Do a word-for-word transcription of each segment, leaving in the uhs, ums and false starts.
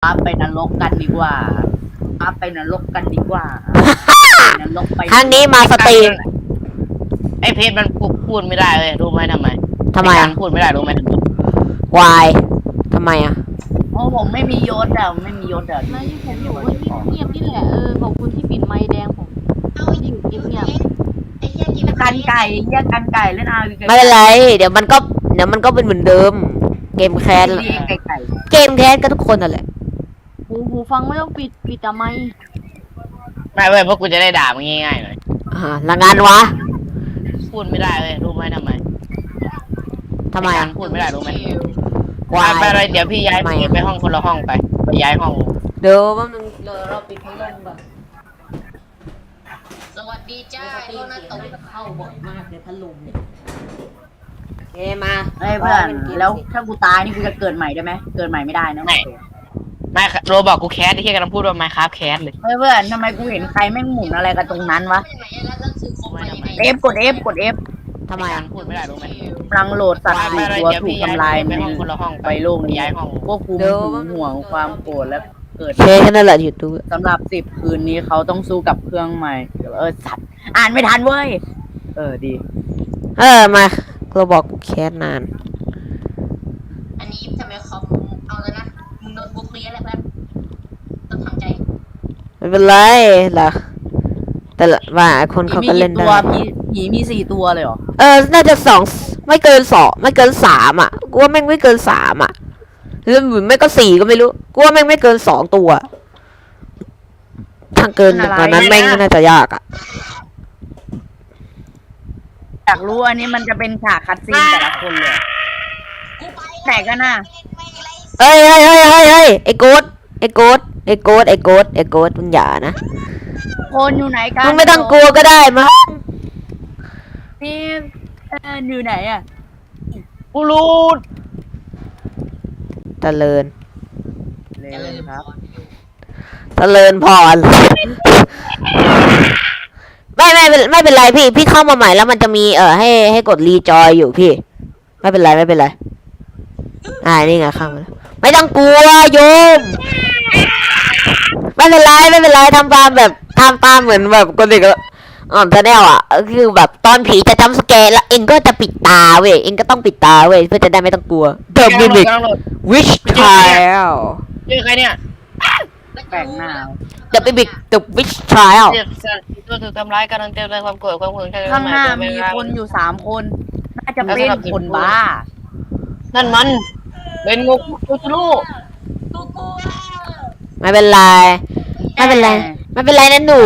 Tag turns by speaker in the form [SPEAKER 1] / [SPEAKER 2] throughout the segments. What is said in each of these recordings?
[SPEAKER 1] ครับไปนรกกันดีกว่าครับไปนรกกันดีกว่าไปนรกไป
[SPEAKER 2] ครั้งนี้มาสตรีม
[SPEAKER 3] ไอเพจมันพูดไม่ได้เลยรู้ไหมทำไม
[SPEAKER 2] ทำไมอ่ะ
[SPEAKER 3] พูดไม่ได้รู้ไหม
[SPEAKER 2] วายทำไมอ่ะ
[SPEAKER 1] โอ้ผมไม่มียศอะไม่มียศอะ
[SPEAKER 4] แล้วที่ผมอยู่ก็เงียบๆนี่แหละเออขอบคุณที่ปิดไมค์แดงผมอยู่เงียบ
[SPEAKER 5] ไอ้เหี้ยกิน
[SPEAKER 1] กันไก่เรียกกันไก่เล่นเอา
[SPEAKER 2] ไม่เป็นไร เดี๋ยวมันก็เดี๋ยวมันก็เป็นเหมือนเดิม เกมแคส
[SPEAKER 1] ไก่ไก่
[SPEAKER 2] เกมแคสก็ทุกคนนั่นแหละ
[SPEAKER 4] ๆหูหูฟังไม่ต้องปิดปิดแต่ไมค์
[SPEAKER 3] ไม่เว้ยเพราะกูจะได้ด่ามึงง่ายๆหน่อย
[SPEAKER 2] อ่าละงานวะ
[SPEAKER 3] พูดไม่ได้เลยรู้ไหมทำไม
[SPEAKER 2] ทำไมอ่ะ
[SPEAKER 3] พูดไม่ได้รู้ไหม
[SPEAKER 2] วาย
[SPEAKER 3] ไปเลยเดี๋ยวพี่ย้าย
[SPEAKER 2] ทำไมอะ
[SPEAKER 3] ไปห้องคนละห้องไปไปย้ายห้อง
[SPEAKER 2] เดี๋ยวแป๊บนึงเดี๋ยวเราปิดพัดลมก่อน
[SPEAKER 5] สวัสดีจ้าโดนัทตก
[SPEAKER 2] เข้าบ่อยมากเลยพัดลมเนี่ยโอเคมา
[SPEAKER 1] เฮ้ยเพื่อนแล้วถ้ากูตายนี่กูจะเกิดใหม่ได้ไหมเกิดใหม่ไม่ได้นะ
[SPEAKER 3] ไม่โรบอกกูแคสที่แค่กำลังพูดว่าไมค์ครับแคสเลย
[SPEAKER 1] เฮ้ยเพื่อนทำไมกูเห็นใครแม่งหมุนอะไรกันตรงนั้นวะ
[SPEAKER 5] ไหนแล้วหนังสือครบไหมไหน
[SPEAKER 1] เอฟกด F กด F
[SPEAKER 2] ทำไมอ่ะ
[SPEAKER 3] พูดไม่ได้รู้ไหม
[SPEAKER 1] กำลังโหลดสัตว์
[SPEAKER 3] ไป
[SPEAKER 1] สี่
[SPEAKER 3] เลย
[SPEAKER 1] ตัว
[SPEAKER 3] เดี๋ยว
[SPEAKER 1] ถูก
[SPEAKER 3] พี่ย้าย
[SPEAKER 1] ทำลาย
[SPEAKER 3] ไป
[SPEAKER 1] ใน
[SPEAKER 3] ห้องคนละห้อง
[SPEAKER 1] ไปโลกนี้
[SPEAKER 3] ย้ายห้อง
[SPEAKER 1] ควบคุมหึงห่วงความโกรธและเกิด
[SPEAKER 2] โอเคแค่นั้นแหละอยู่ตัว
[SPEAKER 1] สำหรับสิบคืนนี้เขาต้องสู้กับเครื่องใหม่เออสัตว์อ่านไม่ทันเว้ยเออดี
[SPEAKER 2] เออมาเราบอกกูแคสนาน
[SPEAKER 5] อันนี้ทำไมคอมเอาแล้วนะมึงโดนบุกเรียนแล้วเพื่อนต้องทำใจ
[SPEAKER 2] ไม่เป็นไรล่ะแต่ละว่าคนเขาก็เล่น
[SPEAKER 1] มี
[SPEAKER 2] ได้
[SPEAKER 1] ตัวผีผีมีสี่ตัวเลยเหรอ
[SPEAKER 2] เออ น่าจะสองไม่เกินสองไม่เกินสามอ่ะ กูว่าแม่งไม่เกินสามอ่ะหรือไม่ก็สี่ก็ไม่รู้ กูว่าแม่งไม่เกินสองตัว ถ้าเกินกว่านั้นแม่งน่าจะยากอ่ะ
[SPEAKER 1] อยากรู้อันนี้มันจะเป็นฉากคัดซีนแต่ละคนเลย
[SPEAKER 5] กูไป
[SPEAKER 1] แต่ก็น่า
[SPEAKER 2] เฮ้ยเฮ้ยเฮ้ยเฮ้ยเฮ้ยไอ้โกดไอ้โกดไอ้โกดไอ้โกดไอ้โกดมึงอย่านะ
[SPEAKER 1] คนอยู่ไหนกัน
[SPEAKER 2] มึงไม่ต้องกลัวก็ได้มั้ง
[SPEAKER 1] นี่เอออยู่ไหนอ่ะ
[SPEAKER 3] กูรู้
[SPEAKER 2] เจริญ
[SPEAKER 1] เลยครับ
[SPEAKER 2] เจริญพร ไม่ไม่เป็นไม่เป็นไรพี่ พี่เข้ามาใหม่แล้วมันจะมีเออให้ให้กดรีจอยอยู่พี่ ไม่เป็นไรไม่เป็นไรอ่านี่ไงเข้ามาแล้วไม่ต้องกลัวโยม ไม่เป็นไรไม่เป็นไรทำตามแบบทำตามเหมือนแบบคนเด็กอ่อนจะแนวอ่ะคือแบบตอนผีจะจำสแกนแล้วเองก็จะปิดตาเว้ยเองก็ต้องปิดตาเว้ยเพื่อจะได้ไม่ต้องกลัว The Mimic
[SPEAKER 3] กำลังโหลด
[SPEAKER 2] Witch Trial
[SPEAKER 3] ชื่อใครเนี่ย
[SPEAKER 1] แปลกหน้า
[SPEAKER 2] The Mimic The Witch Trial
[SPEAKER 3] เจ็บสัตว์ตัวถูกทำร้ายการันเต็มในความโกรธความหึง
[SPEAKER 1] ข้างหน้ามีคนอยู่สามคน น่าจะเป็นคนบ้า
[SPEAKER 3] นั่นมันเป็นงูกูจะรู้
[SPEAKER 5] กูกลัว
[SPEAKER 2] ไม่เป็นไรไม่เป็นไรไม่เป็นไรนะหนู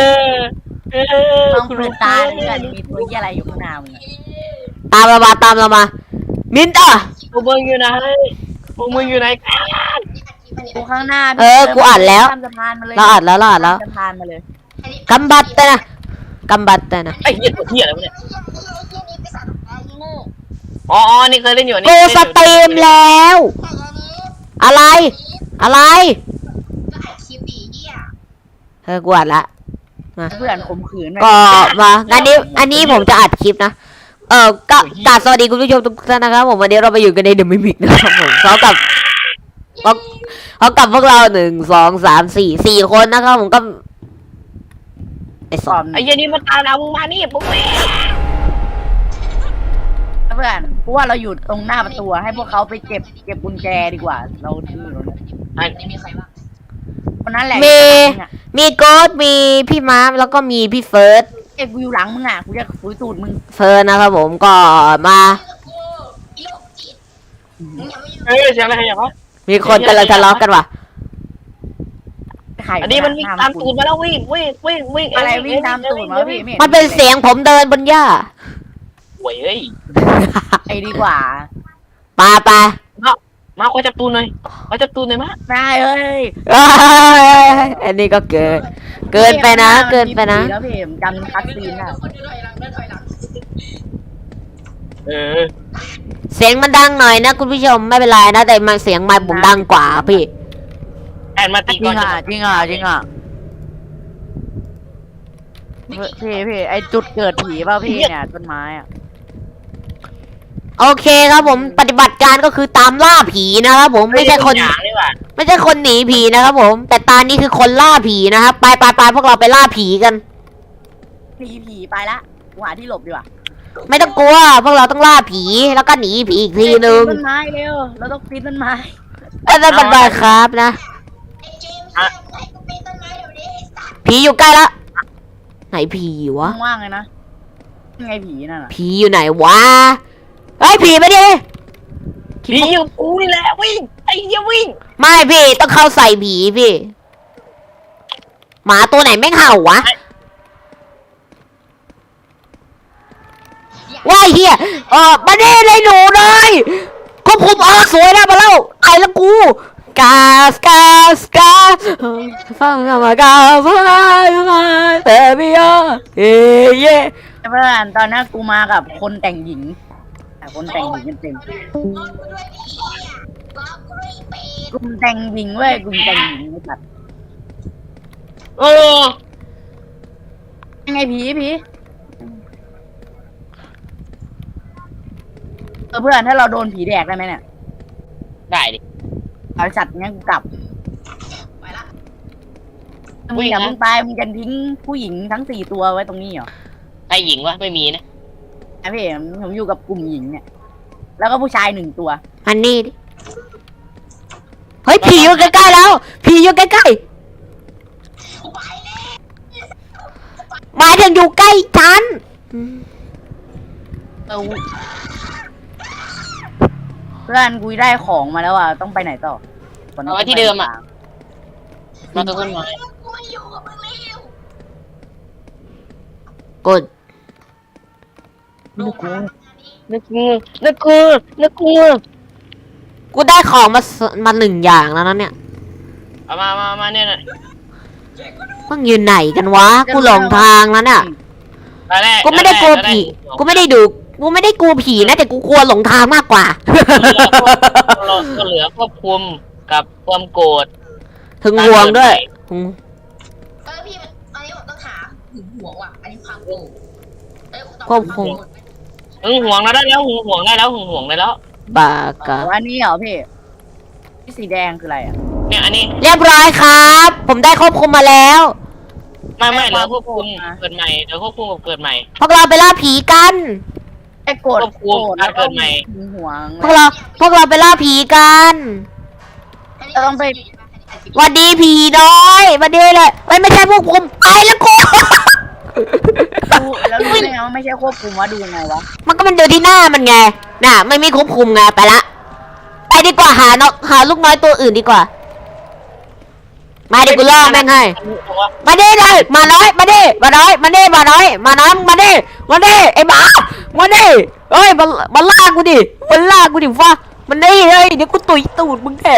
[SPEAKER 1] ต้องดูตาเพื่อนมีตัวยี่อะไรอยู่ข้างหน้ามึง
[SPEAKER 2] ตามเรามาตามเรามา มินต้า
[SPEAKER 3] พวกมึงอยู่ไหนพวกมึงอยู่ไหนกัน
[SPEAKER 1] กูข้างหน้า
[SPEAKER 2] เออกูอ่านแล้ว
[SPEAKER 1] ข้ามสะพานมาเลย
[SPEAKER 2] เราอัดแล้วเราอัดแล้ว
[SPEAKER 1] ข้ามสะพานมาเลย
[SPEAKER 2] กำบัดแต่นะกำบัดแต่นะ
[SPEAKER 3] ไอ้เหี้ยตัวเหี้ยอะไรวะเนี่ย
[SPEAKER 5] ไอ้เหี้ยนี่ไปสั่งไอ้โง่
[SPEAKER 3] อ๋อนี่เคยเล่นอยู่นี่
[SPEAKER 2] กูสตรีมแล้ว
[SPEAKER 5] ไอ้อันนี้
[SPEAKER 2] อะไร อะไร
[SPEAKER 5] ก็อัดคลิปดีเหี้ย
[SPEAKER 2] เออกูอัดละ
[SPEAKER 1] เพื่อนข่มขืน
[SPEAKER 2] ก็มาอันนี้ อันนี้ผมจะอัดคลิปนะ เออก็กราบสวัสดีคุณผู้ชมทุกท่านนะครับผมวันนี้เราไปอยู่กันในเดอะมิมิกนะครับผมพร้อมกับพร้อมพร้อมกับพวกเราหนึ่งสองสามสี่สี่คนนะครับผมก็ไอ้ส
[SPEAKER 1] ส
[SPEAKER 2] อ
[SPEAKER 1] อง น
[SPEAKER 3] ไอ้เหี้ยนี่มันตามเรามึงมานี่ปุ๊บ
[SPEAKER 1] เพื่อนกูว่าเราอยู่ตรงหน้าประตูให้พวกเขาไปเก็บเก็บกุญแจดีกว่า เราที่อยู่ตรงนั้น
[SPEAKER 3] ไอ้
[SPEAKER 5] นี่มีใครบ้าง
[SPEAKER 1] คนนั้นแหละ
[SPEAKER 2] มีมีโกดมีพี่มาร์คแล้วก็มีพี่เฟิร์ส
[SPEAKER 1] เอ้ยกูอยู่หลังมึงอ่ะกูจะคุยตูดมึง
[SPEAKER 2] เฟิร์สนะครับผมก็มา
[SPEAKER 5] กูอีโรคจิตมึงอย่ามาอยู่
[SPEAKER 3] เฮ้ยเสียงอะไรอย่างวะ
[SPEAKER 2] มีคนกำลังทะเลาะกันว่ะ
[SPEAKER 1] ไข่
[SPEAKER 3] อันนี้มันวิ่งตามตูดมาแล้ววิ่งวิ่งวิ่งวิ่ง
[SPEAKER 1] อะไรวิ่งตามตูดมาพี่ไห็
[SPEAKER 2] มันเป็นเสียงผมเดินบนหญ้า
[SPEAKER 3] โว้ยเฮ้ย
[SPEAKER 1] ไอ้ดีกว่า
[SPEAKER 2] ปาปา
[SPEAKER 3] มาขอจับตูนหน่อยขอจับตูนหน่อยมะ
[SPEAKER 1] ได้เอ้ย
[SPEAKER 2] เอ้ยอันนี้ก็เกิน เกินไปนะ เกินไปนะ
[SPEAKER 1] แล้วพี่ผมจำคัดซีนอ่ะ
[SPEAKER 5] คนเดินถอยหลังเดินถอยหลัง
[SPEAKER 3] เออ
[SPEAKER 2] เสียงมันดังหน่อยนะคุณผู้ชมไม่เป็นไรนะ แต่มันเสียงไมค์ผมดังกว่าพี่
[SPEAKER 3] แอนมาตี
[SPEAKER 1] จริ
[SPEAKER 3] ก่อง น
[SPEAKER 1] อ่ะจริงอ่ะจริงอ่ะพี่พี่ไอจุดเกิดผีเปล่าพี่เนี่ยต้นไม้อ่ะ
[SPEAKER 2] โอเคครับผมปฏิบัติการก็คือตามล่าผีนะครับผมไม่ใช่คน
[SPEAKER 3] อย่างนี่หว่า
[SPEAKER 2] ไม่ใช่คนหนีผีนะครับผม แต่ตานี้คือคนล่าผีนะครับไปไปไปพวกเราไปล่าผีกัน
[SPEAKER 1] หนีผีไปละกูหาที่หลบดีกว่า
[SPEAKER 2] ไม่ต้องกลัวพวกเราต้องล่าผีแล้วก็หนีผีอีกทีนึง
[SPEAKER 1] ปีนต้นไม้เร็วเราต้องปีนต้นไม้
[SPEAKER 2] ไอ้นั่นมันบาครับนะ
[SPEAKER 5] ไอ้เจมส์ให้กูปีนต้นไม้เดี๋ยวนี้ไอ้สัตว์
[SPEAKER 2] ผีอยู่ใกล้ละไหนผีวะ
[SPEAKER 1] ว่างๆเลยนะยังไงผีนั่นน่ะ
[SPEAKER 2] ผีอยู่ไหนวะเฮ้ยผีไปดิ
[SPEAKER 3] ผีอยู่กูนี่แหละวิ่งไอ้เหี้ยวิ่ง
[SPEAKER 2] ไม่พี่ต้องเข้าใส่ผีพี่ หมาตัวไหนแม่งเห่าวะว้ายเฮียเออมาดิเลยหนูเลยควบคุมอ๋อสวยแล้วมาแล้วไอ้ละกูกาสกาสกาสฟังมากาฟังมาเตบิโอเย่เย่
[SPEAKER 1] เพื่อนตอนนั้นกูมากับคนแต่งหญิงแต่คนแต่งหญิงกันเต็ม
[SPEAKER 5] รอกูด้วยดิเหี้ยรอกูด้วยไอ้เป็ด
[SPEAKER 1] กลุ่มแต่งหญิงเว้ยกลุ่มแต่งหญิงไม่ตัด
[SPEAKER 3] โอ้
[SPEAKER 1] ยังไงผีผีเออเพื่อนถ้าเราโดนผีแดกได้ไหมเนี่ย
[SPEAKER 3] ได้ดิ
[SPEAKER 1] เอาสัตว์งั้นกูกลับ
[SPEAKER 5] ไปละ
[SPEAKER 1] มึงอย่ามึงตายมึงจะทิ้งผู้หญิงทั้งสี่ตัวไว้ตรงนี้เหรอ
[SPEAKER 3] ไอ้หญิงวะไม่มีนะ
[SPEAKER 1] ไอ้พี่ผมอยู่กับกลุ่มหญิงเนี่ย แล้วก็ผู้ชายหนึ่งตัว
[SPEAKER 2] อันนี้ดิเฮ้ยผีอยู่ใกล้ๆแล้วผีอยู่ใกล้ๆหมายถึงอยู่ใกล้ฉัน
[SPEAKER 1] เออเพื่อนกูได้ของมาแล้วอ่ะต้องไปไหนต่อ
[SPEAKER 3] เอาไว้ที่เดิมอ่ะมาตรงต้นไม้
[SPEAKER 5] กูไม่อยู่กับมึงแล้ว
[SPEAKER 2] กด
[SPEAKER 3] นึกกูนึกกูนึกกูนึกกู
[SPEAKER 2] กูได้ของมาสมาหนึ่งอย่างแล้วนะเนี่ย
[SPEAKER 3] เอามามามาเนี่ยนะ
[SPEAKER 2] มึงอยู่ไหนกันวะ กูหลงทางแล้วเนี่ย
[SPEAKER 3] ตอนแร
[SPEAKER 2] กูไม่ได้กลัวผี กูไม่ได้ดู กูไม่ได้กลัวผีนะแต่กูกลัวหลงทางมากกว่า
[SPEAKER 3] เราก็เหลือควบคุมกับความโกรธ
[SPEAKER 2] ถึงห่วงด้วยหึง
[SPEAKER 5] เออพี่มันอันนี้ผมต้องหาหึงหวงว่ะอันนี้ความโกรธเอ้ยต้อง
[SPEAKER 2] ควบคุม
[SPEAKER 3] หึงหวงแล้วได้แล้วหึงหวงได้แล้วหึงหวงได้แล้ว
[SPEAKER 2] บากะ
[SPEAKER 1] อันนี้เหรอพี่ที่สีแดงคืออะไรอ่ะ
[SPEAKER 3] เนี่ยอันนี้
[SPEAKER 2] เรียบร้อยครับ ผมได้ควบคุมมาแล้ว
[SPEAKER 3] ไม่ไม่เหลือควบคุมเกิดใหม่เหลือควบคุมกับเกิดใหม่
[SPEAKER 2] พวกเราไปล่าผีกัน
[SPEAKER 1] ไอ้โกรธ
[SPEAKER 3] ควบคุ
[SPEAKER 1] โก
[SPEAKER 3] ม
[SPEAKER 1] รธแล้ว
[SPEAKER 3] การเกิ
[SPEAKER 1] ก็
[SPEAKER 3] ดใหม่
[SPEAKER 1] หึงหวง
[SPEAKER 2] พวกเรา พวกเราไปล่าผีกัน
[SPEAKER 1] เราต้องไป
[SPEAKER 2] หวันดีผีน้อยหวันดีเลยไม่ไม่ใช่พวกผมไปแล้วกู
[SPEAKER 1] ดูแล้วรู้ได้ไงว่าไม่ใช่ควบคุมว่าดูยังไงวะ
[SPEAKER 2] มันก็มันดูที่หน้ามันไง น่ะ ไม่มีควบคุมไงไปละ ไปดีกว่าหานกหาลูกน้อยตัวอื่นดีกว่า มาดิกูล่อแม่งให้ มาดิเลยมาน้อยมาดิมาน้อยมาดิมาน้อยมาน้อยมาดิมาดิไอ้หมามาดิเอ้ยมามาล่ากูดิมาล่ากูดิฟ้ามันนี่เฮ้ยเดี๋ยวกูตุยตูดมึงแก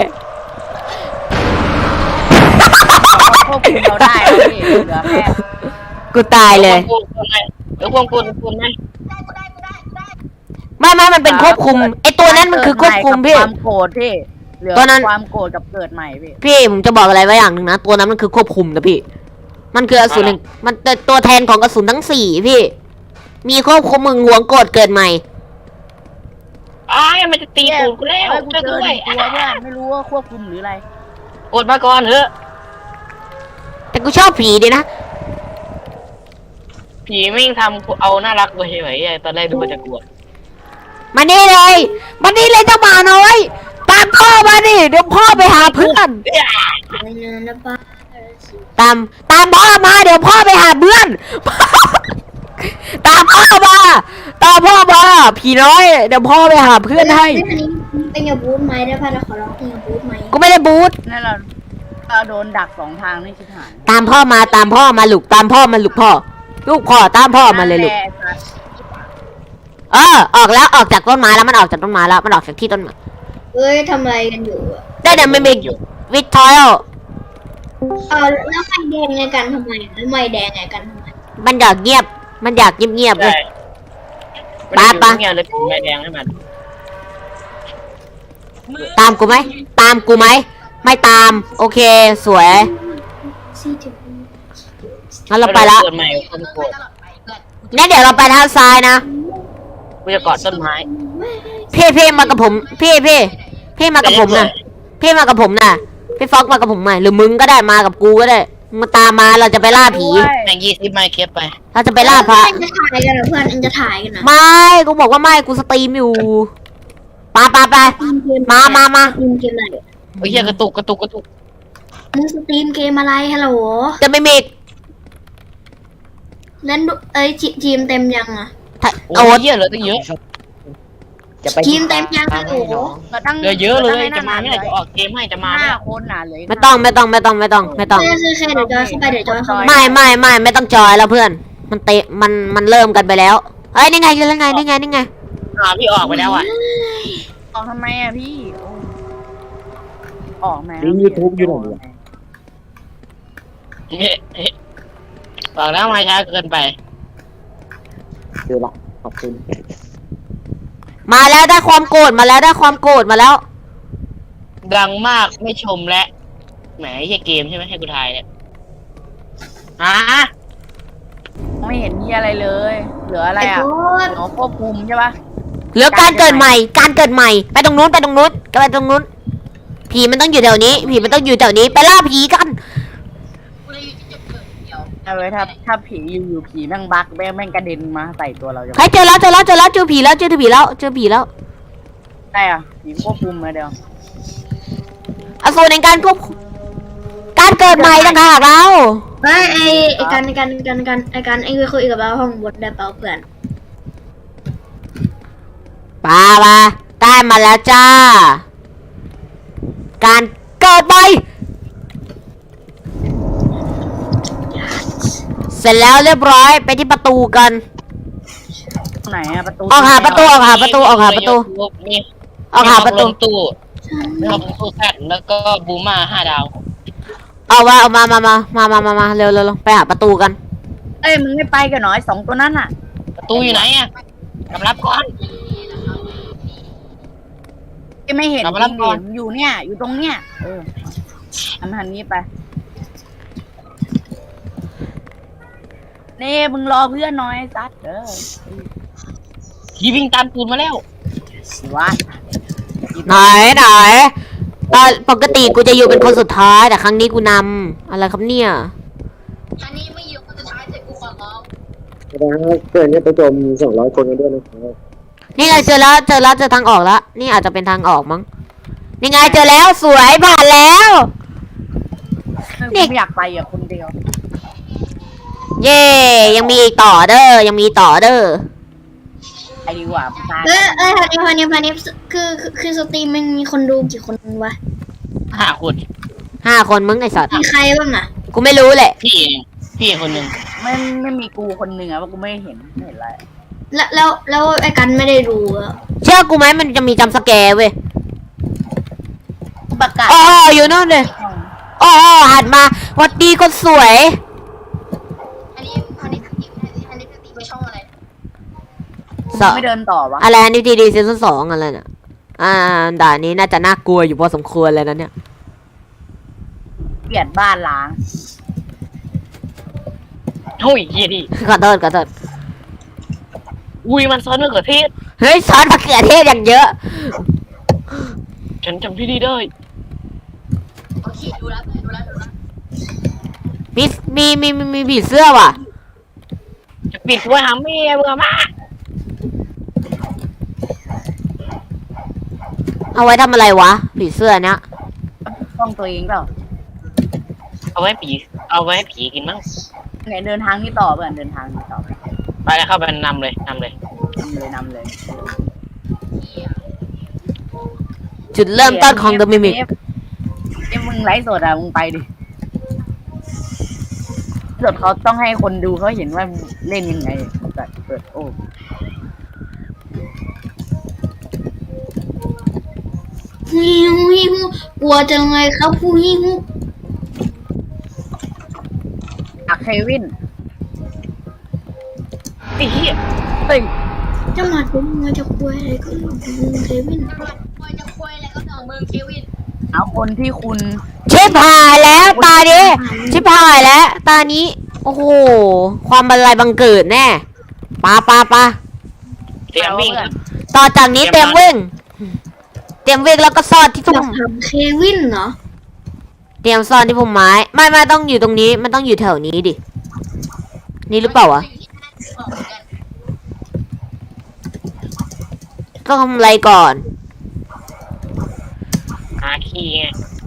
[SPEAKER 1] ควบคุมเราได้แล้วพี่เหลือแค่
[SPEAKER 2] กูตายเลย
[SPEAKER 3] เหลือควบคุมควบคุมไหม
[SPEAKER 5] ได้กูได้กูได้กูได้
[SPEAKER 2] ไม่ไม่มันเป็นควบคุมไอ้ตัวนั้นมันคือควบคุมพี่
[SPEAKER 1] ความโกรธพี่เหลือ
[SPEAKER 2] ตัวนั้น
[SPEAKER 1] ความโกรธกับเกิดใหม่พี่
[SPEAKER 2] พี่ผมจะบอกอะไรไว้อย่างหนึ่งนะตัวนั้นมันคือควบคุมนะพี่ มันคืออสูรหนึ่งมันเป็นตัวแทนของอสูรทั้งสี่พี่ มีควบคุมมึงหวงโกรธเกิดใหม่
[SPEAKER 3] อ้ายมันจะตีตูดกูแล้ว
[SPEAKER 1] เฮ้ยกู
[SPEAKER 3] ช่วย
[SPEAKER 1] เจ
[SPEAKER 3] กู
[SPEAKER 1] อ
[SPEAKER 3] ด้
[SPEAKER 1] ห
[SPEAKER 3] วย
[SPEAKER 1] นึ่งตัวเพื่อนไม่รู้ว่าควบคุมหรืออะไร
[SPEAKER 3] อดมาก่อนเถอะ
[SPEAKER 2] แต่กูชอบผีดีนะ
[SPEAKER 3] ผีไม่งทำเอาน่ารักไปเฉยๆตอนแรกดูมันจะกลัว
[SPEAKER 2] มานี่เลยมานี่เลยเจ้าหมาน้อย ตามพ่อมาดิเดี๋ยวพ่อไปหาเพื่อน ตามตามพ่อมาเดี๋ยวพ่อไปหาเพื่อน ตามพ่อมาตามพ่อมาผีน้อยเดี๋ยวพ่อไปหาเพื่อนให้
[SPEAKER 6] เป็นอย่าบูทไหมได้ป่ะเราขอร้องเป็นอย่าบูทไหม
[SPEAKER 2] กูไม่ได้บูท
[SPEAKER 1] นั่นเราเราโดนดักสองทางนี่ชิบหาย
[SPEAKER 2] ตามพ่อมาตามพ่อมาลูกตามพ่อมาลูกพ่อ ลูกพ่อตามพ่อมาเลยลูก
[SPEAKER 1] นั่นแหะ
[SPEAKER 2] เออออกแล้วออกจากต้นไม้แล้วมันออกจากต้นไม้แล้วมันออกจากที่ต้นไม้
[SPEAKER 6] เอ้ยทำอะไรกันอยู่อะ
[SPEAKER 2] ได้เดี๋ยวมันมีวิททอยล์
[SPEAKER 6] เออแล้วไม่แดงไงกันทำไมแล้วไม่แดงไงกันทำไม
[SPEAKER 2] มันอยากเงียบ มันอยากเงียบเงียบๆเล
[SPEAKER 3] ใช่
[SPEAKER 2] ย
[SPEAKER 3] ไม่ได้
[SPEAKER 2] ปะ
[SPEAKER 3] เงี้ยเลยถึงแม่แดงให้มัน
[SPEAKER 2] ตามกูไหมตามกูไหมไม่ตาม โอเคสวย
[SPEAKER 6] ซีถึง
[SPEAKER 2] งั้นเราไปละ
[SPEAKER 3] เกิดใหม่คนโกรธ
[SPEAKER 5] ตลอดไปเพื่อน
[SPEAKER 2] งั้นเดี๋ยวเราไปทางซ้ายนะ
[SPEAKER 3] รกูจะกอดต้นไม้
[SPEAKER 2] พี่พี่มากับผมพี่พี่พี่มากับผมนะพี่มากับผมนะพี่ฟอกมากับผมหน่อยหรือมึงก็ได้มากับกูก็ได้มาตามมาเราจะไปล่าผี
[SPEAKER 3] แม่งยี่สิบไม้เก็บไป
[SPEAKER 2] เราจะไปล่าพระ
[SPEAKER 6] เพื่อนจะถ่ายกันเหรอเพื่อนเอ็งจะถ่ายกันนะ
[SPEAKER 2] ไม่กูบอกว่าไม่กูสตรีมอยู่ปาปาไปมามามา
[SPEAKER 6] สตรีมเกมอะไร
[SPEAKER 3] โอ้ยเหี้ยกระตุกกระตุกกระตุก
[SPEAKER 6] มึงสตรีมเกมอะไรฮัลโหล
[SPEAKER 2] จะไม่มี
[SPEAKER 6] เล่นดูเอ้ยทีทีมเต็มยังอะ
[SPEAKER 3] โอ้
[SPEAKER 2] โอ้
[SPEAKER 3] ยเหี้ยเหลือตั้งเยอะ
[SPEAKER 7] จะไป
[SPEAKER 6] ทีมเต็มยังฮัลโหล
[SPEAKER 1] ก็ตั้ง
[SPEAKER 3] เหลือเยอะเลย
[SPEAKER 1] ก็
[SPEAKER 3] จะ
[SPEAKER 1] ตั้ง
[SPEAKER 3] มา
[SPEAKER 1] ให้
[SPEAKER 3] ไม่
[SPEAKER 1] นั่
[SPEAKER 3] ได้
[SPEAKER 1] น
[SPEAKER 3] จะออกเกมให้จะมาไม่
[SPEAKER 1] ห้า
[SPEAKER 3] ได้
[SPEAKER 1] คนน่ะเหลย
[SPEAKER 2] ไม่ต้องไม่ต้องไม่ต้องไม่ต้องไม่ต้อง
[SPEAKER 6] เคยเคยเดี๋ยวจอยเข้าไปเดี๋ยวจอยเข้าไป
[SPEAKER 2] ไม่ไม่ไม่ไม่ต้องจอยแล้วเพื่อน มันเตะมันมันเริ่มกันไปแล้วเอ้ยนี่ไงนี่ไงนี่ไงนี่ไง
[SPEAKER 3] อ่าพี่ออกไปแล้วอ่ะ
[SPEAKER 1] ออกทำไมอ่ะพี่ออกไหม
[SPEAKER 7] ลิงก์ยูทูบอยู่ไหนวะ
[SPEAKER 3] เฮ้เฮ้บอกแล้วมาช้าเกินไป
[SPEAKER 7] เจอละขอบคุณ
[SPEAKER 2] มาแล้วได้ความโกรธมาแล้วได้ความโกรธมาแล้ว
[SPEAKER 3] ดังมากไม่ชมและแหมไอ้เหี้ยเกมใช่ไหมให้กูทายเนี่ยอ่ะ
[SPEAKER 1] ไม่เห็นมีอะไรเลย เหลืออะไร
[SPEAKER 6] ไอ้
[SPEAKER 1] อ่ะ
[SPEAKER 6] โคตร
[SPEAKER 1] หนอควบคุมใช่ปะ
[SPEAKER 2] เหลือการเกิดใหม่ การเกิดใหม่ ไปตรงนู้นไปตรงนู้นไปตรงนู้น ผีมันต้องอยู่แถวนี้ ผีมันต้องอยู่แถวนี้ ไปล่าผีกัน
[SPEAKER 5] กูเลยอยู่ที่จุดเกิดเดียว
[SPEAKER 1] เอาไว้ถ้าถ้าผีอยู่ๆผีแม่งบักแม่งแม่งกระเด็นมาใส่ตัวเราจะ
[SPEAKER 2] ใครเจอแล้วเจอแล้วเจอแล้วเจอผีแล้วเจอผีแล้วเจอผีแล้ว
[SPEAKER 1] ได้อ่ะผีควบคุมมาเดียว
[SPEAKER 2] อสูรในการควบคุมการเกิดใหม่ต่างหากเรา
[SPEAKER 6] เฮ้ยไอ้ไอ้กันไอ้กันไอ้กันไอ้กันไอ้กันไอ้คุยกับเราห้องบทได้เปล่าเพื่อน
[SPEAKER 2] ปาปาได้มาแล้วจ้า การเกิดใหม่เสร็จแล้วเรียบร้อยไปที่ประตูกัน
[SPEAKER 1] ไหนอ่ะประตู
[SPEAKER 2] ออกหาประตูออกหาประตูออกหาประตู
[SPEAKER 3] มี
[SPEAKER 2] ออกหาประตู
[SPEAKER 3] มีตู้มีห้องตู้แซดแล้วก็บูม่าห้าดาว
[SPEAKER 2] เอาว่าเอามามามามามามามาเร็วเร็วเร็วไปหาประตูกัน
[SPEAKER 1] เอ้ยมึงไม่ไปกันหน่อยสองตัวนั้นอ่ะ
[SPEAKER 3] ประตูอยู่ไหนอ่ะกำลับก่อน
[SPEAKER 1] ที่ไม่เห็น
[SPEAKER 3] กลับมารับก่อน
[SPEAKER 1] จริงๆอยู่เนี่ย อยู่ตรงเนี้ยเอออันทันนี้ไปเน่มึงรอเพื่อนหน้อยซัดเด้อ
[SPEAKER 3] ผีวิ่งตามตูนมาแล้ว
[SPEAKER 1] ว่า
[SPEAKER 2] ไหนไหนตอนปกติกูจะอยู่เป็นคนสุดท้ายแต่ครั้งนี้กูนำอะไรครับเนี่ย
[SPEAKER 5] อันนี้ไม่อยู่คนสุดท้ายเสร็จกูขอร้อง
[SPEAKER 7] แสดงว่าเกินเนี่ยไปโจมสองร้อยคนกันด้วยนะครับ
[SPEAKER 2] นี่ไงเจอแล้วเจอแล้วเจอทางออกแล้วนี่อาจจะเป็นทางออกมั้งนี่ไงเจอแล้วสวยผ่านแล้ว
[SPEAKER 1] นี่ไม่อยากไปอ่ะคนเดียว
[SPEAKER 2] เย่ยังมีอีกต่อเด้อยังมีต่อเด้อ
[SPEAKER 1] ไปดีกว่าตาย
[SPEAKER 6] เอ้ยเอ้ยพันนี้พันนี้พันนี้คือคือคือสตรีมมันมีคนดูกี่คนวะ
[SPEAKER 3] ห้าคน
[SPEAKER 2] ห้าคนมึงไอสัตว์
[SPEAKER 6] มีใครบ้างอะ
[SPEAKER 2] กูไม่รู้แหละ
[SPEAKER 3] พี่เองพี่คนหนึ่ง
[SPEAKER 1] ไม่ไม่มีกูคนหนึ่งอ่ะเพราะกูไม่เห็นไม่เห็นอะไร
[SPEAKER 6] แล้วแล้วแล้วไอ้กันไม่ได้ดูอะ
[SPEAKER 2] เชื่อกูไหมมันจะมีจำสแกร์เว้ย
[SPEAKER 1] ประกาศ
[SPEAKER 2] อ๋ออยู่นู่นเลยอ๋อหันมาหวัดดีคนสวย
[SPEAKER 5] อันนี้อันนี้สตีอันนี้สตีไปช่องอะไร
[SPEAKER 2] สอ
[SPEAKER 1] ไม่เดินต่อวะ
[SPEAKER 2] อะไรนิวทีดีซีซั่นสองอะไรน่ะอ่าด่านนี้น่าจะน่ากลัวอยู่พอสมควรเลยนะเนี่ย
[SPEAKER 1] เปลี่ยนบ้านล้าง
[SPEAKER 3] โอ้ยเฮียดิ
[SPEAKER 2] ขอโทษขอโทษ
[SPEAKER 3] อุ้ยมันซ้อนมะเขือเทศ
[SPEAKER 2] เฮ้ยซอสมะเขือเทศอย่างเยอะ
[SPEAKER 3] ฉันจำพี่ดีได้
[SPEAKER 5] โอเคดูแล้วดูแล้วดูแล้ว
[SPEAKER 2] มีมีมีมีมีผีเสื้อว่ะ
[SPEAKER 3] จะปิดไว้หาเมียเบื่อมาก
[SPEAKER 2] เอาไว้ทำอะไรวะ ผีเสื้อเนี้ย
[SPEAKER 1] ต้องตัวเองเปล่า
[SPEAKER 3] เอาไว้ผีเอาไว้ผีกินมั้ง
[SPEAKER 1] ไหนเดินทางนี้ต่อเพื่อนเดินทางนี้ต่อ
[SPEAKER 3] ไปแล้วเข้าไปนำเลยนำเลย
[SPEAKER 1] นำเลยนำเลย
[SPEAKER 2] จุดเริ่มต้นของ The Mimic
[SPEAKER 1] เอฟเอฟมึงไลฟ์สดอ่ะมึงไปดิสดเขาต้องให้คนดูเขาเห็นว่าเล่นยังไงแบบเปิดโอ้
[SPEAKER 6] ฮิวฮิวกลัวจังเลยครับผู้ฮิว
[SPEAKER 1] อักเควิน
[SPEAKER 3] ไอ้เหี้ย
[SPEAKER 1] เฮ้ย
[SPEAKER 6] จะมาดูมันจะคุยอะไรก็เรื่องของมึงเควิน
[SPEAKER 5] ควยจะควยอะไรก็เรื่องมึงเควิน
[SPEAKER 1] เอาคนที่คุณ
[SPEAKER 2] ชิบหายแล้วตานี้ชิบหายแล้ว ตานี้ โอ้โห ความบันไลบังเกิดแน่ปาปาปา
[SPEAKER 3] เตรียมวิ่งครับ
[SPEAKER 2] ต่อจากนี้เตรียมวิ่ง เตรียมวิ่งแล้วก็ซ่อนที่
[SPEAKER 6] อ
[SPEAKER 2] พุ่
[SPEAKER 6] ยาม กทำเควินเหรอ
[SPEAKER 2] เตรียมซ่อนที่พุ่มไม้ ไม่ไม่ต้องอยู่ตรงนี้ มันต้องอยู่แถวนี้ดิ นี่หรือเปล่าวะ
[SPEAKER 5] บอกเหมือนกัน
[SPEAKER 2] ต้องทำอะไรก่อน
[SPEAKER 3] หาคีย์ไง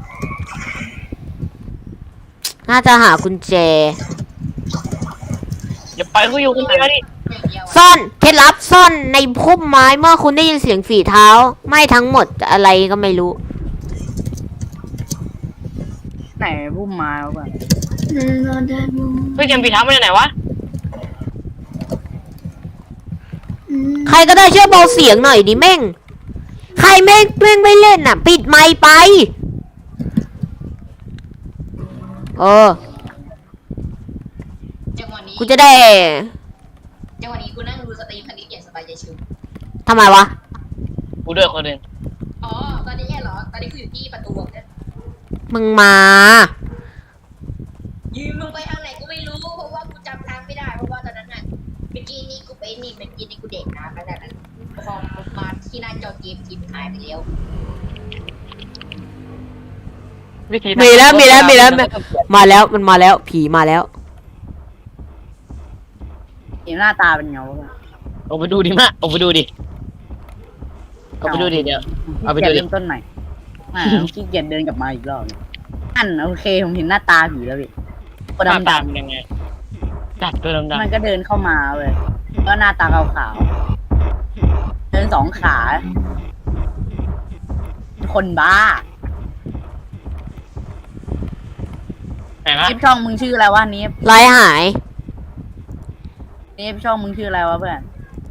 [SPEAKER 2] น่าจะหากุญแจ
[SPEAKER 3] อย่าปล่อยเขาอยู่คนเดียวดิ
[SPEAKER 5] อย่างเดียวอะ
[SPEAKER 2] ซ่อนเคล็ดลับซ่อนในพุ่มไม้เมื่อคุณได้ยินเสียงฝีเท้า ไม่ทั้งหมดอะไรก็ไม่รู้
[SPEAKER 1] ไหนพุ่มไม้วะเพื่อน
[SPEAKER 3] เฮ้ยเกมปีเท้ามาจากไหนวะ
[SPEAKER 2] ใครก็ได้ช่วยเบาเสียงหน่อยดิแม่ง ใครแม่งแม่งไม่เล่นอ่ะ ปิดไมค์ไป เออ
[SPEAKER 5] จังหวะนี้
[SPEAKER 2] กูจะได้
[SPEAKER 5] จังหวะนี้กูนั่งดูสตรีมคันนี้อย่างสบายใจชิว
[SPEAKER 2] ทำไมวะ
[SPEAKER 3] กูด้วยคนหนึ่ง
[SPEAKER 5] อ๋อตอนนี้แย่เหรอตอนนี้กูอยู่ที่ประตูเนี่ย
[SPEAKER 2] มึงมา
[SPEAKER 5] ยืมมึงไปทางไหนกูไม่รู้เพราะว่ากูจำทางไม่ได้เพราะว่าตอนนั้นน่ะเมื่อกี้นี่กูไปนี่เมื่อกี้นี่กูเด็กนะแล้วนั้นพอมาที่หน้าจอเกมทีมหายไปแล้ว
[SPEAKER 3] วิธี
[SPEAKER 2] มีแล้วมีแล้วมีแล้ว มาแล้วมันมาแล้วผีมาแล้ว
[SPEAKER 1] เห็นหน้าตาเป็นไงวะเพื่อน
[SPEAKER 3] เอาไปดูดิมะเอาไปดูดิเอาไปดูดิเดี๋ยว เอาไปดูดิ
[SPEAKER 1] เริ่มต้นใหม่อ่าขี้เกียจเดินกลับมาอีกรอบอันโอเคผมเห็นหน้าตาผีแล้วพี่คน
[SPEAKER 3] หน้า
[SPEAKER 1] ดำ
[SPEAKER 3] ตาเป็นยังไงจัดตัวดำ
[SPEAKER 1] ๆมันก็เดินเข้ามาเว้ยก็หน้าตาขาวๆเดินสองขา คนบ้า
[SPEAKER 3] ๆไหนวะ
[SPEAKER 1] คลิปช่องมึงชื่ออะไรวะนี้
[SPEAKER 2] ไล่หาย
[SPEAKER 1] นี่ช่องมึงชื่ออะไรวะเพื่อน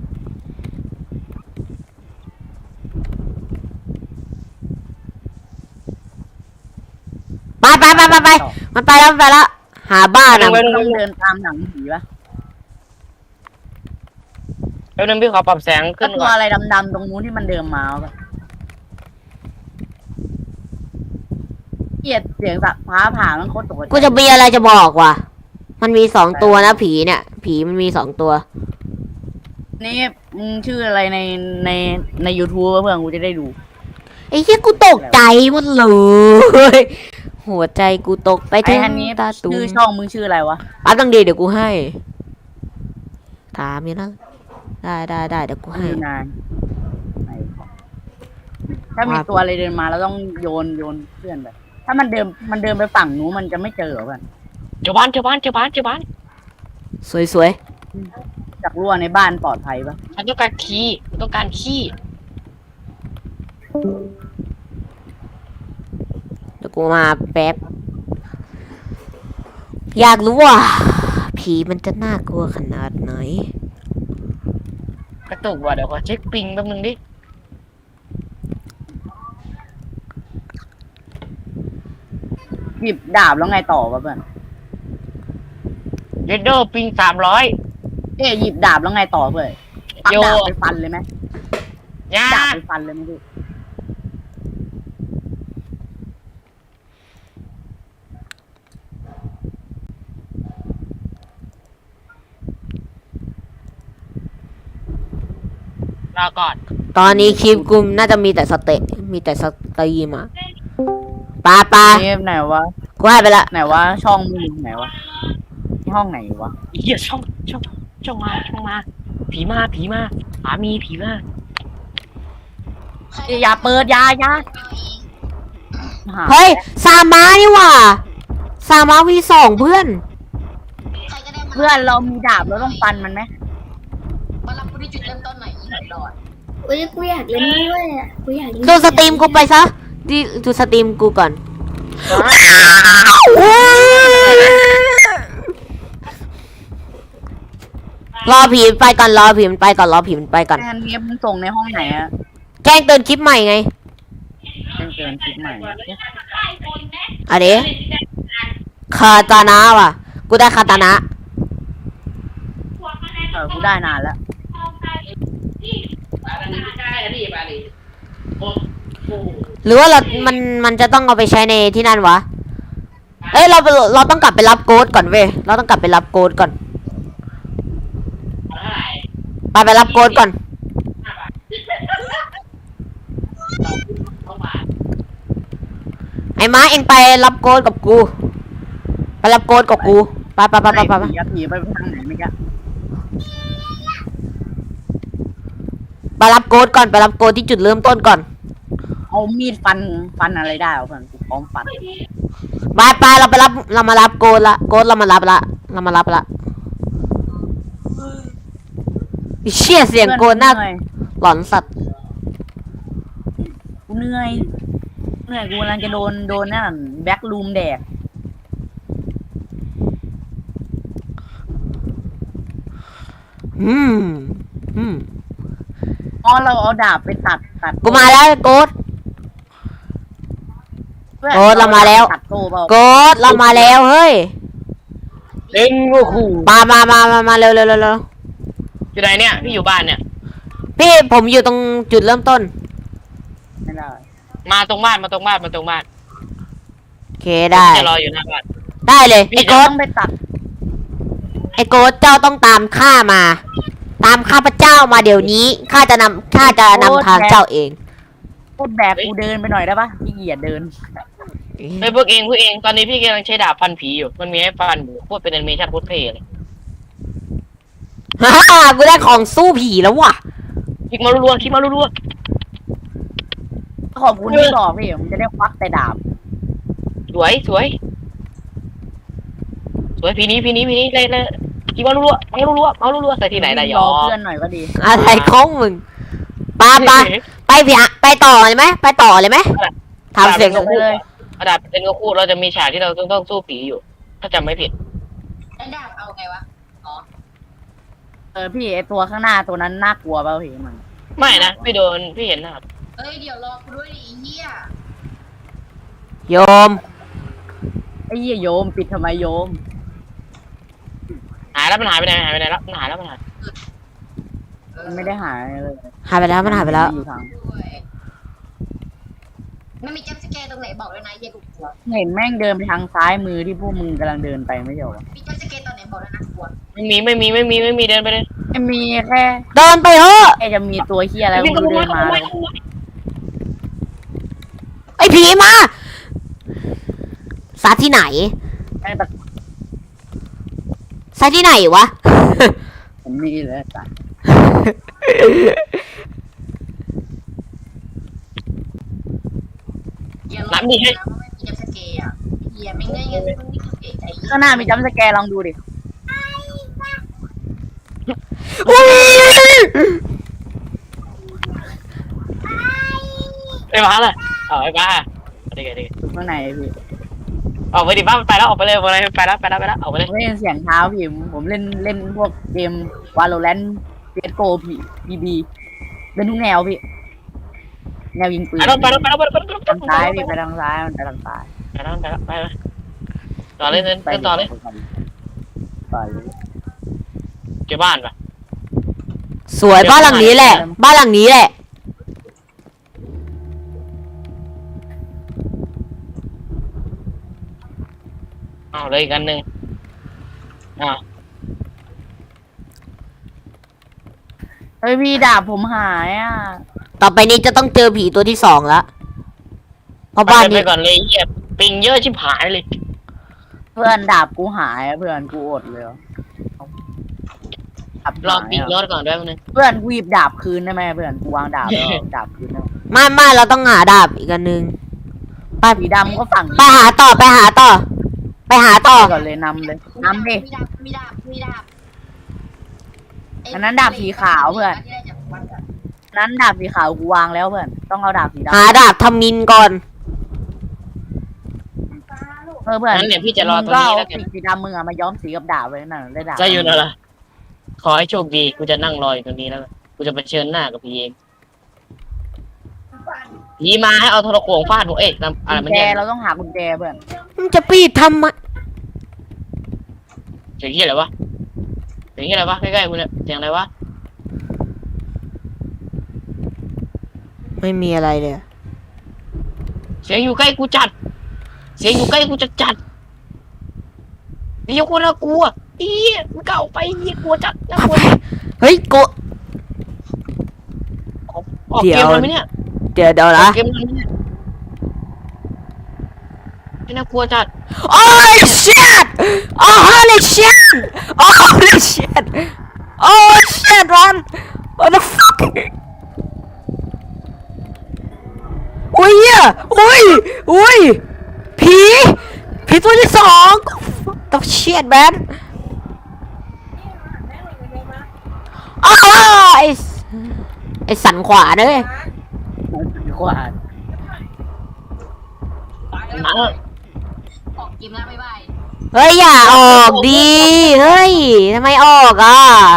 [SPEAKER 2] ไปไปไปไปไปมันไปแล้วมันไปแล้ว หาบ้าน
[SPEAKER 3] ต้
[SPEAKER 2] อ่ะ
[SPEAKER 3] อง
[SPEAKER 1] ต้องเดินตามหนังผีปะ
[SPEAKER 3] แป๊บนึงพี่ขอปรับแสง
[SPEAKER 1] ก็
[SPEAKER 3] ขึ้น
[SPEAKER 1] ตัว
[SPEAKER 3] ก่อน
[SPEAKER 1] อะไรดำๆตรงนู้นที่มันเดินมาวะเกลียดเสียงสักฟ้าผ่ามันโคตรตกใจ
[SPEAKER 2] กูจะมีอะไรจะบอกว่ะ มันมีสองตัวนะผีเนี่ย ผีมันมีสองตัว
[SPEAKER 1] นี่มึงชื่ออะไรในในใน YouTube วะเพื่อนกูจะได้ดู
[SPEAKER 2] ไอ้เหี้ยกูตกใจหมดเลย หัวใจกูตกไป
[SPEAKER 1] ไอ้
[SPEAKER 2] ถึง
[SPEAKER 1] อันนี้
[SPEAKER 2] ตาตู
[SPEAKER 1] ชื่อช่องมึงชื่ออะไรวะ
[SPEAKER 2] ปั๊บตังดีเดี๋ยวกูให้ ถามนี่นะได้ได้ได้เดี๋ยวกูให้
[SPEAKER 1] ชื่อนายถ้ามีตัวอะไรเดินมาเราต้องโยนโยนเพื่อนไปถ้ามันเดินมันเดินไปฝั่งนู้นมันจะไม่เจอเหรอเพื่อน
[SPEAKER 3] เจ้าบ้านเจ้าบ้านเจ้าบ้านเจ้าบ้าน
[SPEAKER 2] สวยสวย
[SPEAKER 1] จากรั่วในบ้านปลอดภัยปะ
[SPEAKER 3] ฉันต้องการคีย์ฉันต้องการคีย์
[SPEAKER 2] เดี๋ยวกูมาแป๊บ อยากรู้ว่า ผีมันจะน่ากลัวขนาดไหน
[SPEAKER 3] กระตุกว่ะเดี๋ยวขอเช็คปิงแป๊บนึงดิ
[SPEAKER 1] หยิบดาบแล้วไงต่อวะเพื่อน
[SPEAKER 3] เรดโดปิงสามร้อย
[SPEAKER 1] เอ๊ะหยิบดาบแล้วไงต่อเพื่อนปัก
[SPEAKER 3] โย
[SPEAKER 1] ดาบไปฟันเลยไหม
[SPEAKER 3] ยา
[SPEAKER 1] ดาบไปฟันเลยไหมพี่
[SPEAKER 3] รอก่อน
[SPEAKER 2] ตอนนี้คลิปกูน่าจะมีแต่สเตมีแต่สตรีมอ่ะปาปา
[SPEAKER 1] นี่ไหนวะ
[SPEAKER 2] กูให้ไปละ
[SPEAKER 1] ไหนวะช่องมึงไหนวะที่ห้องไหนวะ
[SPEAKER 3] เหี้ยช่องช่องช่องมาช่องมา ผีมาผีมาผามีผีมา
[SPEAKER 1] อย่าเปิดอยาอยาหา
[SPEAKER 2] เฮ้ย ซามานี่หว่า ซามาวีสองเพื่อน
[SPEAKER 5] ใครก็ได้มา
[SPEAKER 1] เพื่อนเรามีดาบเราต้องฟันมันไหม
[SPEAKER 5] มารับกูที่จุดเริ่มต้นหน่อยอีหลอด
[SPEAKER 6] อุ้ยกูอยากเล่นด้วยอ่ะกูอยากเล่น
[SPEAKER 2] ดูสตรีมกูไปซะดิดูสตรีมกูก่อน รอผีมันไปก่อนรอผีมันไปก่อนรอผีมันไปก่อน
[SPEAKER 1] แอนนี้มึงส่งในห้องไหนอะ
[SPEAKER 2] แจ้งเตือนคลิปใหม่ไง
[SPEAKER 1] เชิญเชิญคลิปใหม่
[SPEAKER 2] อันนี้คาตานะว่ะ กูได้คาตานะ
[SPEAKER 1] เออกูได้นานแล้ว
[SPEAKER 2] หรือว่าเรา มัน มันจะต้องเอาไปใช้ในที่นั่นวะ เอ้ย เรา เราต้องกลับไปรับโกดก่อนเว้ย เราต้องกลับไปรับโกดก่อน ไปไปรับโกดก่อนไอ้ม้าเองไปรับโกดกับกู ไปรับโกดกับกูไปไปไปไปไปไป
[SPEAKER 1] ผีอะผีไปทางไหนเมื่อกี้
[SPEAKER 2] ไปรับโกดก่อนไปรับโกดที่จุดเริ่มต้นก่อน
[SPEAKER 1] เอามีดฟันฟันอะไรได้เหรอเพื่อนกูพร้อมฟัน
[SPEAKER 2] ไปไปเราไปรับเรามารับโกดละโกดเรามารับละเรามารับละไอ้เชี่ยเสียงโกดน่า
[SPEAKER 1] เหนื่อย
[SPEAKER 2] หลอนสัตว์
[SPEAKER 1] กูเหนื่อยเหนื่อยกูกำลังจะโดนโดนนั่นแบ็กลูมแดก
[SPEAKER 2] อืมอืม
[SPEAKER 1] อ๋อเราเอาดาบไปตัดตัด
[SPEAKER 2] กูมาแล้วโกด
[SPEAKER 1] พื่อน
[SPEAKER 2] โอ้เรามาแล้ว
[SPEAKER 1] ตัดโตเปล่า
[SPEAKER 2] โกดเรามาแล้วเฮ้ย
[SPEAKER 3] เล่นงูขู่
[SPEAKER 2] มามามามามาเร็วเร็วเร็วเร็ว
[SPEAKER 3] อยู่ไหนเนี่ยพี่อยู่บ้านเนี่ย
[SPEAKER 2] พี่ผมอยู่ตรงจุดเริ่มต้น
[SPEAKER 1] ไม่ได้
[SPEAKER 3] มาตรงบ้านมาตรงบ้านมาตรงบ้าน
[SPEAKER 2] โอเคได้
[SPEAKER 3] จะรออยู่หน้าบ้าน
[SPEAKER 2] ได้เลย
[SPEAKER 3] พี่
[SPEAKER 2] ไอ้
[SPEAKER 3] จะ
[SPEAKER 2] โก
[SPEAKER 1] ต้
[SPEAKER 2] ด
[SPEAKER 1] องไปตัด
[SPEAKER 2] ไอ้โกดเจ้าต้องตามข้ามา ตามข้าพเจ้ามาเดี๋ยวนี้ข้าจะนำข้าจะนำทางเจ้าเอง
[SPEAKER 1] พูดแบกกูเดินไปหน่อยได้ปะขี้เกียจเดิน
[SPEAKER 3] ไอ้ยพวกเองพวกเองตอนนี้พี่กำลังใช้ดาบฟันผีอยู่มันมีให้ฟันหมูโคตรเป็นแอนิเมชั่นโคตรเท่เลย
[SPEAKER 2] ฮ่าฮ่ากูได้ของสู้ผีแล้วว่ะ
[SPEAKER 3] คลิกมารัวๆคลิกมารัว
[SPEAKER 1] ขอบคุณที่บอกพี่ผมจะได้ควักแต่ดาบ
[SPEAKER 3] ๆสวยสวยสวยพี่นี้พี่นี้พี่นี้เลยเลยคลิกมารัวๆมารัวๆมารัวๆใส่ที่ไหนได้ย
[SPEAKER 1] ร
[SPEAKER 3] อ
[SPEAKER 1] อเพื่อนหน่อยก็ดี
[SPEAKER 2] อะไรของมึงไปไปไปพี่ฮะไปต่อเลยไหมไปต่อเลยไหมทำเสียง
[SPEAKER 1] ไปเลย
[SPEAKER 3] กระดาษเป็นก็คู่เราจะมีฉากที่เราต้องต้องสู้ผีอยู่ ถ้าจำไม่ผิด
[SPEAKER 5] ไอ้ดาบเอาไงวะ อ๋อ
[SPEAKER 1] เออพี่ไอตัวข้างหน้าตัวนั้นน่ากลัวเปล่าพี่มัน
[SPEAKER 3] ไม่นะไม่โดนพี่เห็นนะครับ
[SPEAKER 5] เอ้ย เดี๋ยวรอกูด้วยดิไอ้เหี้ย
[SPEAKER 2] โยม
[SPEAKER 1] ไอ้เหี้ยโยมปิดทำไมโยม
[SPEAKER 3] หายแล้วมันหายไปไหนหายไปไหนแล้วมันหายแล้วมันหาย
[SPEAKER 1] มันไม่ได้หายเลย
[SPEAKER 2] หายไปแล้วมันหายไปแล้ว
[SPEAKER 1] อยู่ทาง
[SPEAKER 5] ด้วยมันมีจัมป์สแกร์ตรงไหนบอกด้วยนะเหี้ยกูกลัว
[SPEAKER 1] เห็นแม่งเดินไปทางซ้ายมือที่พวกมึงกำลังเดินไปไม่ใช่เหรอ
[SPEAKER 5] มีจัมป์สแกร์ตอนไหนบอกด้วยนะกลัว
[SPEAKER 3] ไม่มีไม่มีไม่มีไม่มีเดินไปเลย
[SPEAKER 1] ไม่มีแค่
[SPEAKER 2] เดินไปเถอะ
[SPEAKER 1] แค่จะมีตัวเหี้ยอะไร
[SPEAKER 3] วิ่ง
[SPEAKER 1] ไม่
[SPEAKER 3] กระ
[SPEAKER 1] รู้
[SPEAKER 3] โด
[SPEAKER 1] เดิ
[SPEAKER 3] ด
[SPEAKER 1] น
[SPEAKER 3] มา
[SPEAKER 1] มา
[SPEAKER 2] ไอ้ผีมาซาที่ไหน
[SPEAKER 1] แม่งตะ
[SPEAKER 2] ซาที่ไหนวะ
[SPEAKER 1] ผมนี่เลยจ้ะ
[SPEAKER 5] อย่ารอกูนะว่าไม่มีจัมป์สแกร์อ่ะเหี้ยไม่ง่ายงั้นมึงนี่คือเก๋ใจ
[SPEAKER 1] ข้างหน้ามีจัมป์สแกร์ลองดูดิ
[SPEAKER 2] อุ้ย
[SPEAKER 3] ไอ้บ้าเลยเอาไอ้บ้าเด็กเด็ก
[SPEAKER 1] ดูข้างในพี่
[SPEAKER 3] ออกไปดิบ้าไปแล้วออกไปเลยออกไปเลยไปแล้วไปแล้วไปแล้วออกไปเลย
[SPEAKER 1] ผมเล่นเสียงเท้าพี่ผมผมเล่นเล่นพวกเกมวาโลแรนต์เปียโกพี่บีบีเล่นทุกแนวพี่แนวยิงปืน
[SPEAKER 3] ไปแล้วไปแล้วไปแล้วไปแล้วไปแล้ว
[SPEAKER 1] ทางซ้ายพี่ไปทางซ้ายมันไปทางซ้าย
[SPEAKER 3] ไปแล้วไปแล้วไปแล้วต่อเลยเดินต่อเลย
[SPEAKER 1] ต่อเลย
[SPEAKER 3] เก็บบ้านปะ
[SPEAKER 2] สวยบ้านหลังนี้แหละ บ้านหลังนี้แหละ
[SPEAKER 3] เอาเลยอีกอันหนึ่งอ่า
[SPEAKER 1] เฮ้ยพี่ดาบผมหายอ่ะ
[SPEAKER 2] ต่อไปนี้จะต้องเจอผีตัวที่สองแล้วเพราะ
[SPEAKER 3] บ้า
[SPEAKER 2] บ้าน
[SPEAKER 3] นไป
[SPEAKER 2] นี้
[SPEAKER 3] ก่อนเลยเหี้ยปิงเยอะชิบหายเลย
[SPEAKER 1] เพื่อนดาบกูหายอะเพื่อนกูอดเลยอะดาบ
[SPEAKER 3] รอ
[SPEAKER 1] หาย
[SPEAKER 3] ปิง
[SPEAKER 1] อะ
[SPEAKER 3] รอดก่อนด้วยนึง
[SPEAKER 1] เพื่อนกูหยิบดาบคืนได้ไหมเพื่อนกูวางดาบแล้วเอาดาบคืนได้ไหม
[SPEAKER 2] ไม่ไม่เราต้องหาดาบอีกอันหนึงไป
[SPEAKER 1] สีดำก็ฝั่ง
[SPEAKER 2] ไปหาต่อไปหาต่อ ไปหาต่อ
[SPEAKER 1] ก่อนเลยนำเลยนำดิ
[SPEAKER 5] มีดาบมีดาบมีดาบ
[SPEAKER 1] อันนั้นดาบสีขาวเพื่อน
[SPEAKER 5] ที่ได้จากวัดอะ
[SPEAKER 1] นั้นดาบสีขาวกูวางแล้วเพื่อนต้องเอาดาบสีดำ
[SPEAKER 2] หาดาบทำมินก่อน
[SPEAKER 1] เออเพื่อน
[SPEAKER 3] งั้นเดี๋ยวพี่จะรอตรง
[SPEAKER 1] มึงก็
[SPEAKER 3] นี้
[SPEAKER 1] เอา
[SPEAKER 3] แล้วกัน
[SPEAKER 1] สีสีดำมึงอะมาย้อมสีกับดาบไว้นั่นได้ดาบ
[SPEAKER 3] จะอยู่นั่นแหละขอให้โชคดีกูจะนั่งรออยู่ตรงนี้แล้วกูจะไปเชิญหน้ากับพี่เองผีมาให้เอาโทรโขงฟาดหัวเอ๊ะนำอะไร
[SPEAKER 1] กุญ
[SPEAKER 3] มัน
[SPEAKER 1] แจ
[SPEAKER 3] เนี่ย
[SPEAKER 1] เราต้องหากุญแจเพื่อน
[SPEAKER 2] มึงจะปีดทำไม
[SPEAKER 3] เสียงเหี้ยอะไรวะเสียงเหี้ยอะไรวะใกล้ๆกูเนี่ยเสียงอะไรวะ
[SPEAKER 2] ไม่มีอะไรเลย
[SPEAKER 3] เสียงอยู่ใกล้กูจัด เสียงอยู่ใกล้กูจัดจัดเดี๋ยวกูน่ากลัวเอี้ยมึงเก่าไปเอี้ยกลัวจัดน่ากลัว
[SPEAKER 2] เฮ้ยโก
[SPEAKER 3] ออก
[SPEAKER 2] เดี๋
[SPEAKER 3] เก
[SPEAKER 2] ยว
[SPEAKER 3] มเลยไหมเนี่ย
[SPEAKER 2] เดี๋ยวเดี๋ยว
[SPEAKER 3] ออ
[SPEAKER 2] นะ
[SPEAKER 3] กเกมเลยไหมเนี่ยไม่น่ากลัวจัด
[SPEAKER 2] โอ้ย shit โอ้ holy shit โอ้ holy shit โอ้ shit man what the fuck อุ้ยเหี้ยอุ้ยอุ้ยผีผีตัวที่สองต้อง shit man อ้าวไอ้ไอ้สันขวาเลย
[SPEAKER 1] ขวาน
[SPEAKER 3] หมา
[SPEAKER 5] ออกเกมแล้วบ๊ายบาย
[SPEAKER 2] เฮ้ยอย่าออกดีเฮ้ยทำไมออกอ่ะ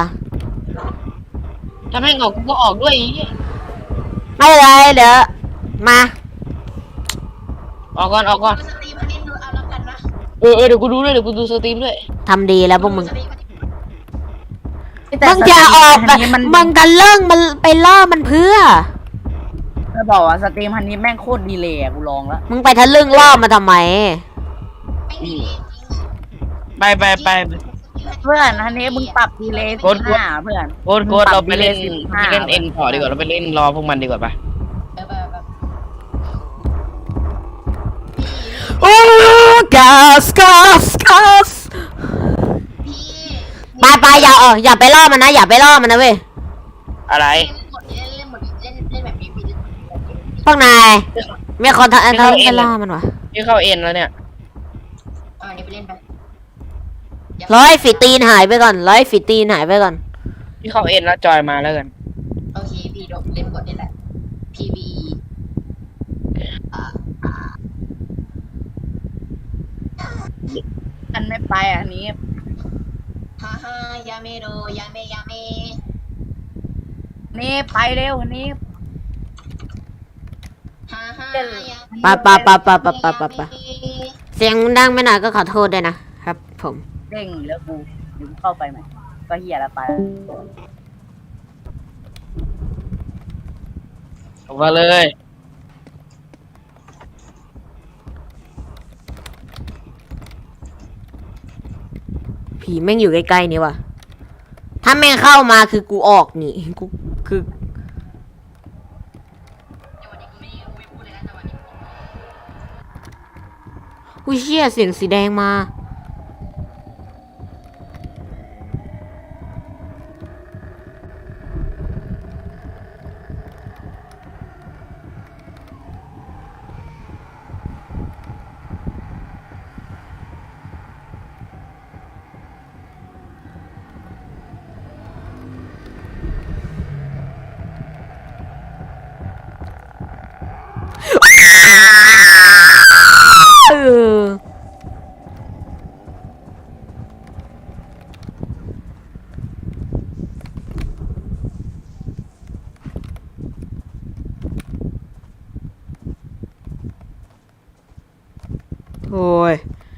[SPEAKER 3] ถ้าแม่งออกกูก็ออกด้วยไอ้เหี้ย
[SPEAKER 2] ไม่เป็นไรเดี๋ยวมา
[SPEAKER 3] ออกก่อนออกก่อน
[SPEAKER 5] สตรีมอันนี้ดูเอาแล้วกันนะ
[SPEAKER 3] เออเออเดี๋ยวกูดูด้วยเดี๋ยวกูดูสตรีมด้วย
[SPEAKER 2] ทำดีแล้วพวกมึง
[SPEAKER 5] สตรีมอันนี้
[SPEAKER 1] แต่
[SPEAKER 2] มึงอย่าออก
[SPEAKER 1] สต
[SPEAKER 2] แบ
[SPEAKER 1] รี
[SPEAKER 2] บ
[SPEAKER 1] มฮันนี้
[SPEAKER 2] มึงกันเรื่องมันไปล่อมันเพื่อ
[SPEAKER 1] จะบอกว่าสตรีมฮันนี้แม่งโคตรดีเลยอะกูลองแล้ว
[SPEAKER 2] มึงไปทะลึ่งล่อมาทำไม
[SPEAKER 5] ไม่ดีเลยจริง
[SPEAKER 3] ไปไปไป
[SPEAKER 1] เพื่อนฮันนี้มึงปรับดีเลย
[SPEAKER 3] ก
[SPEAKER 1] สิ
[SPEAKER 3] ด
[SPEAKER 1] บ
[SPEAKER 3] กด
[SPEAKER 1] ห้าเพื่อน
[SPEAKER 3] โค้ดโค้ดเราไปเล่น
[SPEAKER 1] สิบ
[SPEAKER 3] ไป
[SPEAKER 1] ห้า
[SPEAKER 3] เล่นเอ็นต่อดีกว่าเราไปเล่นรอพวกมันดีกว่าปะ
[SPEAKER 5] เออแบบแบบ
[SPEAKER 2] โอ้กัสกัสกัส
[SPEAKER 5] พี่
[SPEAKER 2] ไปไปอย่าเอออย่าไปล่อมันนะ อย่าไปล่อมันนะเว้ย
[SPEAKER 3] อะไร
[SPEAKER 5] เล่นหมดเล่นเล่นหมดเล่นเล่นแบบนี้พี่เล่นแบบนี้
[SPEAKER 2] พวกนายมีคนทำทำไปล่อมันวะ
[SPEAKER 3] พี่เข้าเอ็นแล้วเนี่ย
[SPEAKER 5] เอาอันนี้ไปเล่นไป
[SPEAKER 2] ร้อยฝีตีนหายไปก่อนร้อยฝีตีนหายไปก่อน
[SPEAKER 3] พี่เข้าเอ็นแล้วจอยมาแล้วกัน
[SPEAKER 5] โอเคพี่ดเล่นกดนี่แหละ พี บี
[SPEAKER 1] มันไม่ไปอะอันนี้
[SPEAKER 5] ฮ่าฮ่ายาเมโดยาเมยาเม
[SPEAKER 1] นี่ไปเร็วอันนี้
[SPEAKER 5] ฮ่าฮ่า
[SPEAKER 2] ปะปะปะปะปะปะปะปะเสียงดังไม่หน่อยก็ขอโทษด้วยนะครับผม
[SPEAKER 1] เด้งแล้วกูเดี๋ยวกูเข้าไปใหม่ก็เฮียแล้วไป
[SPEAKER 3] ออกมาเลย
[SPEAKER 2] ผีแม่งอยู่ใกล้ๆนี่ว่ะถ้าแม่งเข้ามาคือกูออกนี่กูคือ
[SPEAKER 5] จังหวะนี้กูไม่กูไม่พูดเลยนะจังหวะนี้
[SPEAKER 2] อุ้ยเชี่ยเสียงสีแดงมาเออโอ้ย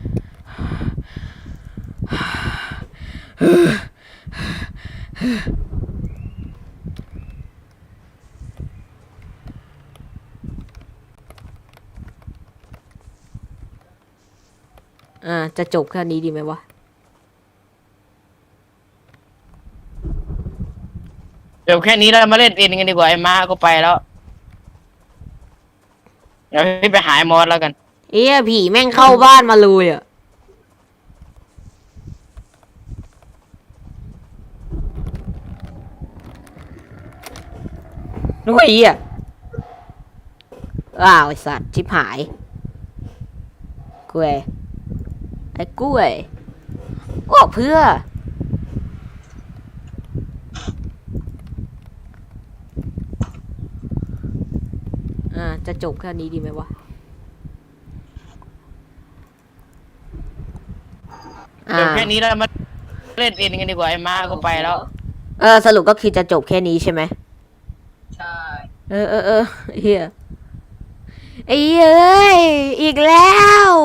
[SPEAKER 2] อ่า จะจบแค่นี้ดีไหมวะ
[SPEAKER 3] เดี๋ยวแค่นี้เรามาเล่นเอ็นกันดีกว่าไอ้มาก็ไปแล้วเดี๋ยวพี่ไปหายมอสแล้วกัน
[SPEAKER 2] เอ้ยผีแม่งเข้าบ้านมาเลยอ่ะ นุ้ยอ่ะอ้าวไอสัตว์ชิบหายกล้วยไอ้กล้วยออกเพื่อ อ่า จะจบแค่นี้ดีไหมวะ อ่า
[SPEAKER 3] เดี๋ยวแค่นี้เรามาเล่นเอ็นกันดีกว่าไอ้มาก็ไปแล้ว
[SPEAKER 2] เออ สรุปก็คือจะจบแค่นี้ใช่ไหม
[SPEAKER 5] ใช่
[SPEAKER 2] เออเออเออเฮียไอ้เอ้ย อีกแล้ว